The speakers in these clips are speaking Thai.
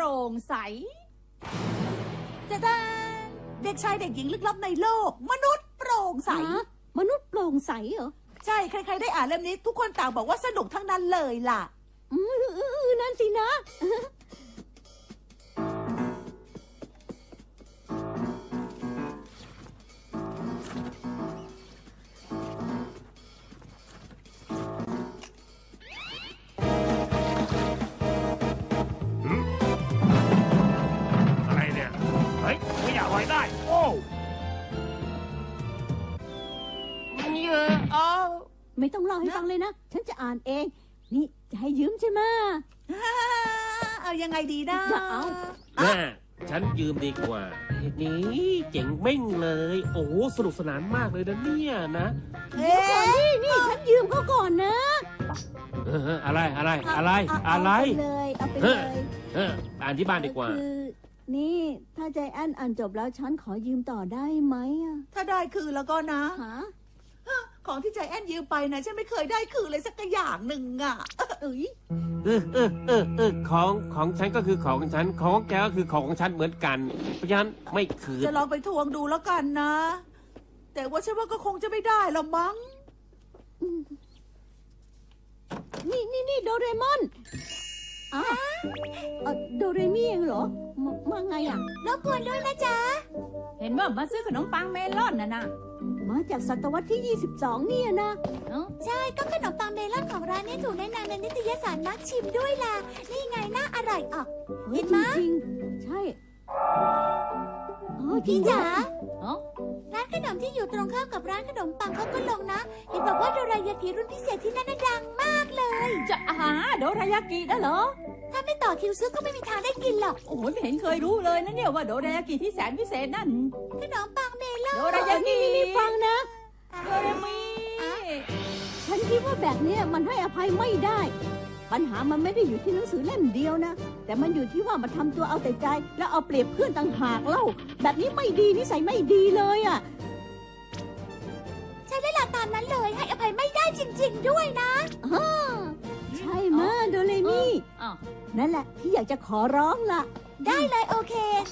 ร่งใสจะได้เด็กชายเด็กหญิงลึกลับในโลกมนุษย์โปร่งใสมนุษย์โปร่งใสเหรอใช่ใครๆได้อ่านเล่มนี้ทุกคนต่างบอกว่าสนุกทั้งนั้นเลยล่ะนั่นสินะอะไรเนี่ยเฮ้ยไม่อยากลอยได้โอ้ไม่ต้องเล่าให้ฟังเลยนะฉันจะอ่านเองนี่จะให้ยืมใช่ไหมเอายังไงดีนะจะเอาฉันยืมดีกว่านี่เจ๋งเม่งเลยโอ้สนุกสนานมากเลยนะเนี่ยนะนี่ฉันยืมเขาก่อนนะอะไรเอาไปเลยอ่านที่บ้านดีกว่านี่ถ้าใจแอนอ่านจบแล้วฉันขอยืมต่อได้ไหมถ้าได้คือแล้วก็นะของที่ใจแอนยืมไปนะฉันไม่เคยได้คือเลยสักอย่างหนึ่งของฉันก็คือของฉันของแกก็คือของฉันเหมือนกันเพราะฉะนั้นไม่คืนจะลองไปทวงดูแล้วกันนะแต่ว่าฉันว่าก็คงจะไม่ได้หรอกมั้งนี่โดเรมอนโดเรมี่เองเหรอมาไงรบกวนด้วยนะจ๊ะเห็นว่ามาซื้อขนมปังเมลอนนะมาจากศตวรรษที่22เนี่ยนะใช่ก็ขนมปังเมลอนของร้านนี้ถูกแนะนำในนิตยสารนักชิมด้วยล่ะนี่ไงน่าอร่อยออกเห็นไหมจริงใช่พี่จ๋าร้านขนมที่อยู่ตรงข้ามกับร้านขนมปังเขาก็ลงนะเห็นบอกว่าโดรายากิรุ่นพิเศษที่นั่นดังมากเลยจะโดรายากิได้เหรอถ้าไม่ต่อคิวซื้อก็ไม่มีทางได้กินหรอกโอ้ยไม่เห็นเคยรู้เลยนะเนี่ยว่าโดรายากิที่แสนพิเศษนั่นขนมปังเมลอนโดรายากินี่ฟังนะโดเรมีฉันคิดว่าแบบนี้มันให้อภัยไม่ได้ปัญหามันไม่ได้อยู่ที่หนังสือเล่มเดียวนะแต่มันอยู่ที่ว่ามันทำตัวเอาแต่ใจแล้วเอาเปรียบเพื่อนต่างหากเล่าแบบนี้ไม่ดีนิสัยไม่ดีเลยใช่แล้วล่ะตามนั้นเลยให้อภัยไม่ได้จริงๆด้วยนะใช่มะโดเรมี่นั่นแหละที่อยากจะขอร้องล่ะได้เลยโอเค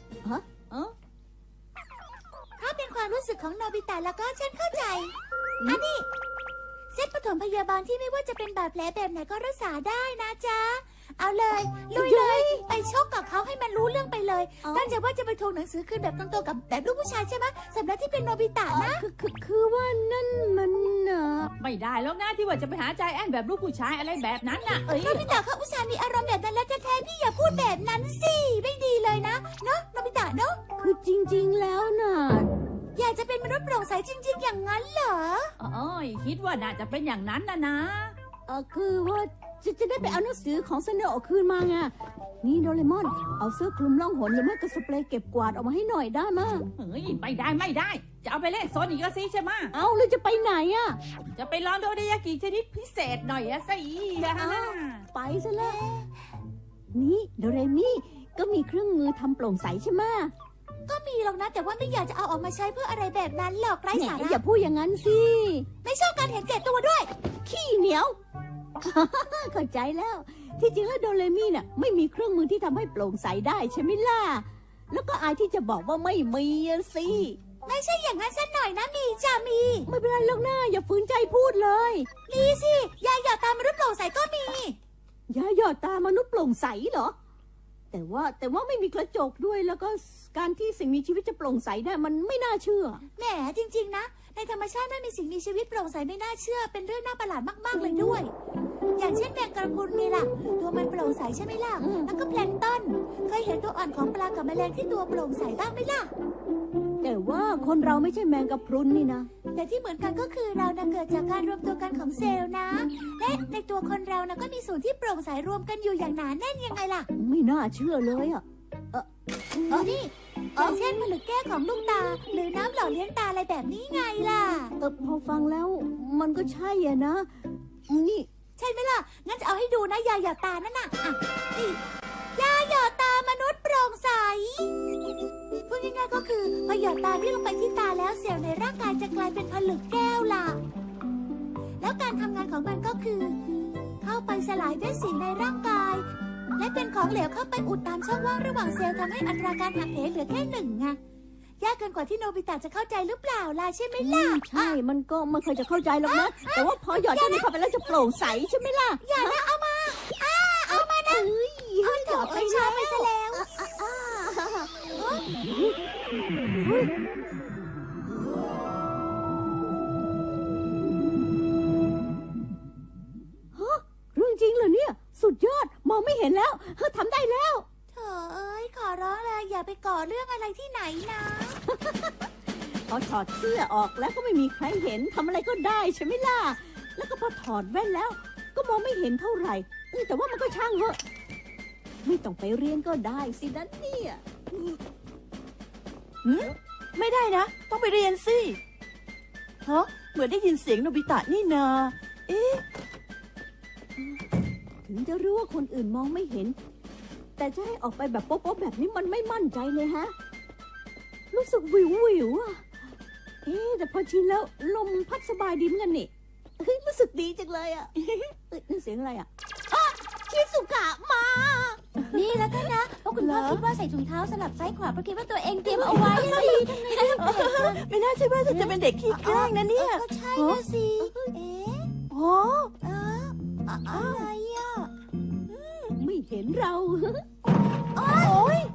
ถ้าเป็นความรู้สึกของโนบิตะแล้วก็ฉันเข้าใจอันนี้เซตปฐมพยาบาลที่ไม่ว่าจะเป็นบาดแผลแบบไหนก็รักษาได้นะจ๊ะเอาเลยลุยเลยไปชกกับเขาให้มันรู้เรื่องไปเลยตั้งใจว่าจะไปทวงหนังสือคืนแบบตรงๆกับแบบลูกผู้ชายใช่ไหมสำหรับที่เป็นโนบิตะนะคือว่านั่นมันไม่ได้แล้วนะที่ว่าจะไปหาใจแอนแบบลูกผู้ชายอะไรแบบนั้นน่ะโนบิตะเขาอุตส่าห์มีอารมณ์แบบนั้นแล้วแท้ๆพี่อย่าพูดแบบนั้นสิไม่ดีเลยนะเนาะโนบิตะเนาะคือจริงๆแล้วน่ะอยากจะเป็นมนุษย์โปร่งใสจริงๆอย่างนั้นเหรอคิดว่าน่าจะเป็นอย่างนั้นนะคือว่าจะได้ไปเอาหนังสือของเซเนโอคืนมาไงนี่โดเรมอนเอาเสื้อคลุมล่องหนหรือไม่ก็สเปรย์เก็บกวาดออกมาให้หน่อยได้มั้ยไม่ได้จะเอาไปเล่นโซนอีกสิใช่ไหมเอาหรือจะไปไหนจะไปลองโดรายากิชนิดพิเศษหน่อยสิไปซะแล้วนี่โดเรมี่ก็มีเครื่องมือทำโปร่งใสใช่ไหมก็มีหรอกนะแต่ว่าไม่อยากจะเอาออกมาใช้เพื่ออะไรแบบนั้นหรอกไร้สาระอย่าพูดอย่างนั้นสิไม่ชอบการเห็นแก่ตัวด้วยขี้เหนียวเข้าใจแล้วที่จริงแล้วโดเรมี่น่ะไม่มีเครื่องมือที่ทำให้โปร่งใสได้ใช่ไหมล่ะแล้วก็อายที่จะบอกว่าไม่มีสิไม่ใช่อย่างนั้นซะหน่อยนะมีจะมีไม่เป็นไรหรอกนะอย่าฝืนใจพูดเลยมีสิยาหยอดตามนุษย์โปร่งใสก็มียาหยอดตามนุษย์โปร่งใสเหรอแต่ว่าไม่มีกระจกด้วยแล้วก็การที่สิ่งมีชีวิตจะโปร่งใสได้มันไม่น่าเชื่อแหมจริงๆนะในธรรมชาติไม่มีสิ่งมีชีวิตโปร่งใสไม่น่าเชื่อเป็นเรื่องน่าประหลาดมากๆเลยด้วยอย่างเช่นแมงกระพรุนไงล่ะตัวมันโปร่งใสใช่ไหมล่ะแล้วก็แพลงก์ต้นเคยเห็นตัวอ่อนของปลากับแมลงที่ตัวโปร่งใสบ้างไหมล่ะแต่ว่าคนเราไม่ใช่แมงกระพรุนนี่นะแต่ที่เหมือนกันก็คือเราเกิดจากการรวมตัวกันของเซลล์นะและในตัวคนเราก็มีส่วนที่โปร่งใสรวมกันอยู่อย่างหนาแน่นยังไงล่ะไม่น่าเชื่อเลยนี่อย่างเช่นผลึกแก้วของลูกตาหรือน้ำหล่อเลี้ยงตาอะไรแบบนี้ไงล่ะพอฟังแล้วมันก็ใช่นะนี่ใช่ไหมล่ะงั้นจะเอาให้ดูนะยาหยอดตานั่นน่ะนี่ยาหยอดตามนุษย์โปร่งใสพูดง่ายๆก็คือพอหยอดตาที่ลงไปที่ตาแล้วเซลล์ในร่างกายจะกลายเป็นผลึกแก้วล่ะแล้วการทำงานของมันก็คือเข้าไปสลายเม็ดสีในร่างกายและเป็นของเหลวเข้าไปอุดตามช่องว่างระหว่างเซลล์ทำให้อัตราการหักเหเหลือแค่1ไงยากเกินกว่าที่โนบิตะจะเข้าใจหรือเปล่าล่ะใช่ไหมล่ะใช่มันก็ไม่เคยจะเข้าใจหรอกนะ แต่ว่าพอหยอดเจ้านี้เข้าไปแล้วจะโปร่งใสใช่ไหมล่ะอย่านะเอามาเอามานะเฮ้ยโถไปช้าไปซะแล้วเรื่องจริงเหรอเนี่ยสุดยอดมองไม่เห็นแล้วทำได้แล้วโถเอ้ยขอร้องเลยอย่าไปก่อเรื่องอะไรที่ไหนนะพอถอดเสื้อออกแล้วก็ไม่มีใครเห็นทำอะไรก็ได้ใช่ไหมล่ะแล้วก็พอถอดแว่นแล้ว ก็มองไม่เห็นเท่าไหร่แต่ว่ามันก็ช่างเหอะไม่ต้องไปเรียนก็ได้สินั่นเนี่ยไม่ได้นะ ต้องไปเรียนสิฮะเหมือนได้ยินเสียงโนบิตะนี่นาเอ๊ะถึงจะรู้ว่าคนอื่นมองไม่เห็น แต่จะให้ออกไปแบบโป๊ะๆแบบนี้มันไม่มั่นใจเลยฮะรู้สึกวิววิวอะแต่พอชินแล้วลมพัดสบายดีเหมือนกันนี่รู้สึกดีจังเลยอะนั่นเสียงอะไรอะชิสุกะมานี่แล้วกันนะเพราะคุณพ่อคิดว่าใส่ถุงเท้าสลับซ้ายขวาเพราะคิดว่าตัวเองเตรียมเอาไว้สิไม่น่าใช่ว่าจะเป็นเด็กขี้แกล้งนะเนี่ยก็ใช่นะสิเอ๊ะอ๋ออะไรอ่ะไม่เห็นเราโอ้ย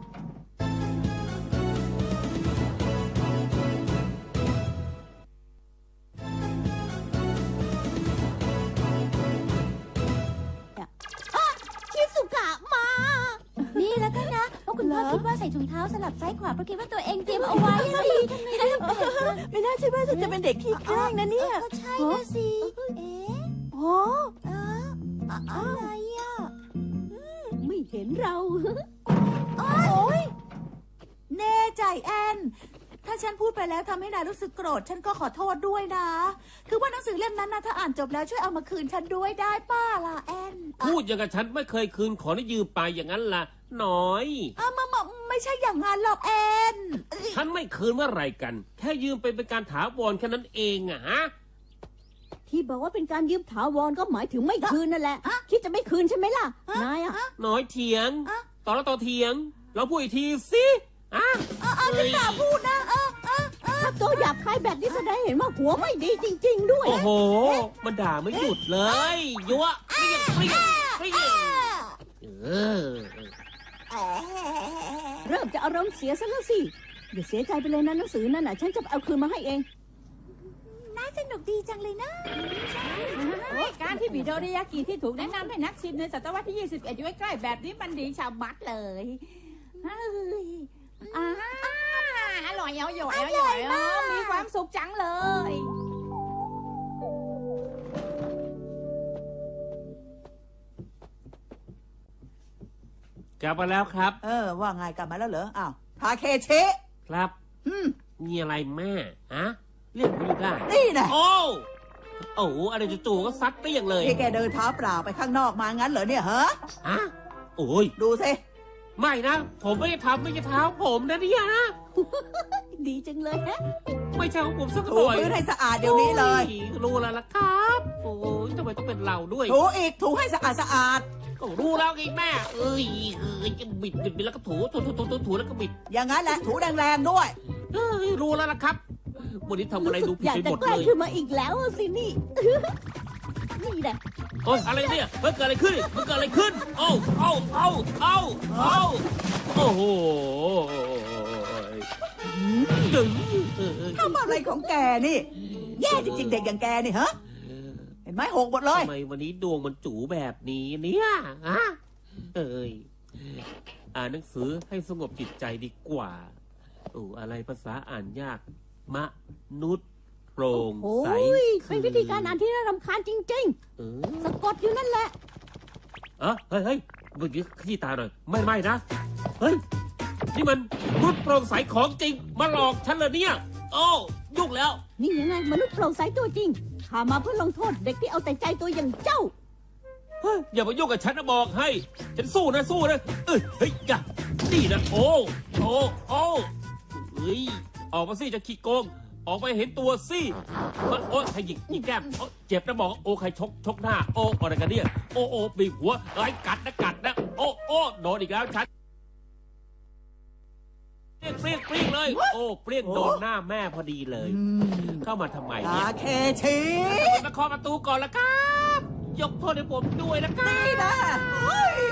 ชิสุกะมานี่แล้วกันนะเพราะคุณพ่อคิดว่าใส่ถุงเท้าสลับซ้ายขวาเพราะคิดว่าตัวเองเตรียมเอาไว้สิไม่น่าใช่ว่าจะเป็นเด็กขี้แกล้งนะเนี่ยก็ใช่นะสิเอ๊ะอ๋ออะไรอ่ะไม่เห็นเราโอ้ยแน่ใจแอน ถ้าฉันพูดไปแล้วทำให้นายรู้สึกโกรธฉันก็ขอโทษด้วยนะ คือว่าหนังสือเล่มนั้นนะถ้าอ่านจบแล้วช่วยเอามาคืนฉันด้วยได้ป้าล่ะแอนพูดอย่างกับฉันไม่เคยคืนของที่ยืมไปอย่างนั้นล่ะน้อยไม่ใช่อย่างนั้นหรอกแอนฉันไม่คืนเมื่อไหร่กัน แค่ยืมไปเป็นการถาวรแค่นั้นเองอะฮะที่บอกว่าเป็นการยืมถาวรก็หมายถึงไม่คืนนั่นแหละ คิดจะไม่คืนใช่ไหมล่ะ นายอะน้อยเถียง ต่อแล้วต่อเถียง เราพูดอีกทีสิอ่ะฉันด่าพูดนะถ้าตัวหยาบคายแบบนี้แสดงเห็นว่าหัวไม่ดีจริง ๆ ด้วยโอ้โห มันด่าไม่หยุดเลยยั่วเปรี้ยงเปรี้ยงเปรี้ยงเออเริ่มจะอารมณ์เสียซะแล้วสิอย่าเสียใจไปเลยนะหนังสือนั่นน่ะฉันจะเอาคืนมาให้เองน่าสนุกดีจังเลยนะการที่บิโดริยากิที่ถูกแนะนำให้นักชิมในศตวรรษที่ 21 อยู่ใกล้ๆแบบนี้มันดีชาวบัดเลยเฮ้ยอร่อยเอาอยู่เอาอยู่มีความสุขจังเลยกลับมาแล้วครับว่าไงกลับมาแล้วเหรอ อ้าว ทาเคชิครับ มีอะไรแม่ฮะเรียกผมอยู่ได้นี่นะโอ้อะไรจู่ๆก็ซัดเปรี้ยงเลยที่แกเดินเท้าเปล่าไปข้างนอกมางั้นเหรอเนี่ยฮะฮะโอ้ยดูสิไม่นะ ผมไม่ได้ทำไม่ใช่เท้าผมนะเนี่ยนะดีจังเลยฮะไม่ใช่ของผมสักหถูน่อยพื้นให้สะอาดเดี๋ยวนี้เลยโอ้รู้แล้วล่ะครับโอ้ยทำไมต้องเป็นเราด้วยถูอีก ถูให้สะอาดสะอาดก็รู้แล้วไงแม่เอ้ยจะบิดแล้วก็ถูแล้วก็บิดอย่างนั้นแหละ ถูแรงๆด้วยเอ้ยรู้แล้วล่ะครับวันนี้ทำอะไรดูผิดอยากไปจะหมดใกล้เลยขึ้นมาอีกแล้วสินี่ นี่แหละโอ้ยอะไรเนี่ยมันเกิดอะไรขึ้นโอ้โหดึงทำอะไรของแกนี่ แย่จริงๆเด็กอย่างแกนี่ฮะ เห็นไหมหกหมดเลยทำไมวันนี้ดวงมันจู๋แบบนี้เนี่ยฮะเอ้ยอ่านหนังสือให้สงบจิตใจดีกว่าอะไรภาษาอ่านยากมนุษย์โปร่งโอ้ใสยเป็นวิธีการอ่านที่น่ารำคาญจริง ๆ สะกดอยู่นั่นแหละเฮ้ยเมื่อกี้ขยี้ตาหน่อยไม่นะเฮ้ยนี่มันมนุษย์โปร่งใสของจริงมาหลอกฉันเลยเนี่ยโอ้ยุ่งแล้วนี่ยังไงมนุษย์โปร่งใสตัวจริงข้ามาเพื่อลงโทษเด็กที่เอาแต่ใจตัวอย่างเจ้าเฮ้ยอย่ามายุ่งกับฉันนะบอกให้ฉันสู้นะเฮ้ยอย่านี่นะโอ้เฮ้ยออกมาสิจะขี้โกงออกไปเห็นตัวสิมันโอ้ใครหยิกแก้มเจ็บนะบอกโอ้ใครชกหน้าโอ้อะไรกันเนี่ยโอ้บีบหัวไอ้กัดนะโอ้โดนอีกแล้วฉันเปรี้ยงเลยโอ้เปรี้ยงโดนหน้าแม่พอดีเลยเข้ามาทำไมเนี่ยตาเคชีมาเคาะประตูก่อนละครับ ยกโทษให้ผมด้วยนะครับนี่นะเฮ้ย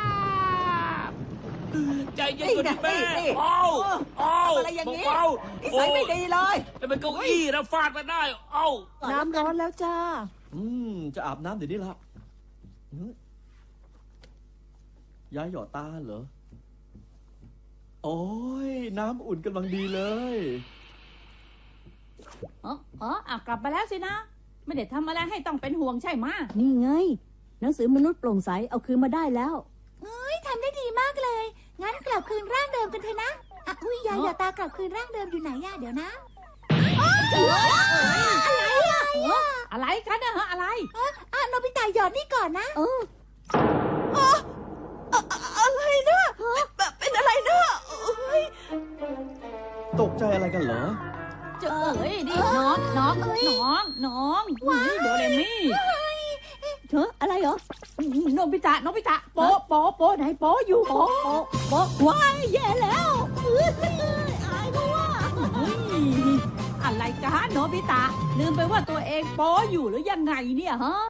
ใจเย็นกว่านี้แม่นี่เบาอะไรอย่างนี้เบานิสัยไม่ดีเลยแต่เป็นเก้าอี้นะฟาดมาได้ เอ้าน้ำร้อนแล้วจ้าจะอาบน้ำเดี๋ยวนี้ละยายหยอดตาเหรอ โอ้ยน้ำอุ่นกำลังดีเลยกลับมาแล้วสินะ ไม่ได้ทำอะไรให้ต้องเป็นห่วงใช่ไหมะนี่ไง หนังสือมนุษย์โปร่งใสเอาคืนมาได้แล้วทำได้ดีมากเลย งั้นกลับคืนร่างเดิมกันเถอะนะอุ้ยยายอย่าตากลับคืนร่างเดิมอยู่ไหนย่าเดี๋ยวนะอะไรกันนะฮะอะไรโนบิตะหยอดนี่ก่อนนะอะไรนะเป็นอะไรนะเฮ้ยตกใจอะไรกันเหรอเจ้ยดิน้องโดเรมี่เธออะไรเหรอโนบิตะโป๊ไหนโป๊อยู่โป๊โป๊ะว้ายแย่แล้วอายเขาว่าอะไรกันโนบิตะลืมไปว่าตัวเองโป๊อยู่หรือยังไงเนี่ยฮะ